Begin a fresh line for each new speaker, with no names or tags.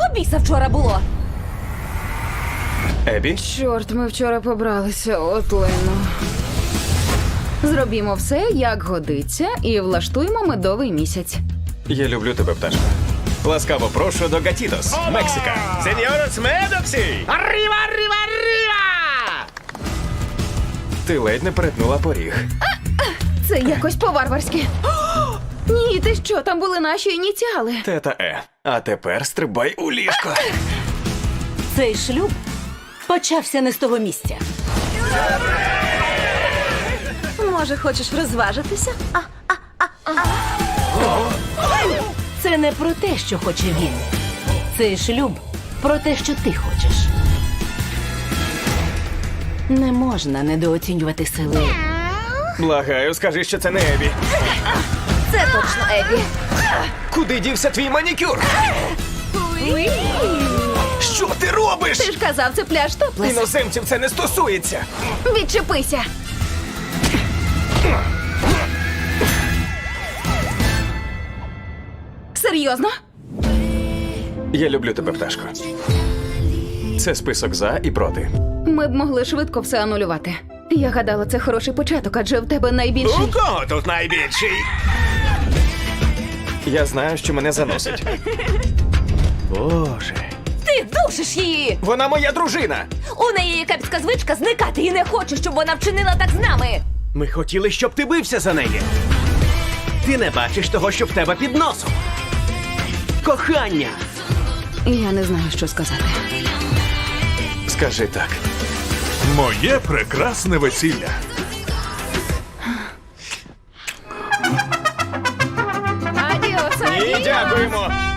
біса вчора було?
Ебі?
Чорт, ми вчора побралися, от лайно. Зробімо все, як годиться, і влаштуємо медовий місяць.
Я люблю тебе, пташко. Ласкаво прошу до Гатітос, Мексика.
Сеньорос Медоксі! Arriba, arriba, arriba!
Ти ледь не перетнула поріг.
Це якось по-варварськи. Ні, ти що, там були наші ініціали.
Тета Е. А тепер стрибай у ліжко.
Цей шлюб почався не з того місця. Може, хочеш розважитися? Це не про те, що хоче він. Цей шлюб про те, що ти хочеш. Не можна недооцінювати сили.
Благаю, скажи, що це не Ебі.
Це точно Ебі.
Куди дівся твій манікюр? Що ти робиш?
Ти ж казав, це пляж топлес.
Іноземців це не стосується.
Відчепися. Серйозно?
Я люблю тебе, пташко. Це список за і проти.
Ми б могли швидко все анулювати. Я гадала, це хороший початок, адже в тебе найбільший...
У кого тут найбільший?
Я знаю, що мене заносить.
Боже.
Ти душиш її!
Вона моя дружина.
У неї є кепська звичка зникати і не хочу, щоб вона вчинила так з нами.
Ми хотіли, щоб ти бився за неї. Ти не бачиш того, що в тебе під носом. Кохання.
Я не знаю, що сказати.
Скажи так.
Моє прекрасне весілля.
Адіос,
І дякуємо.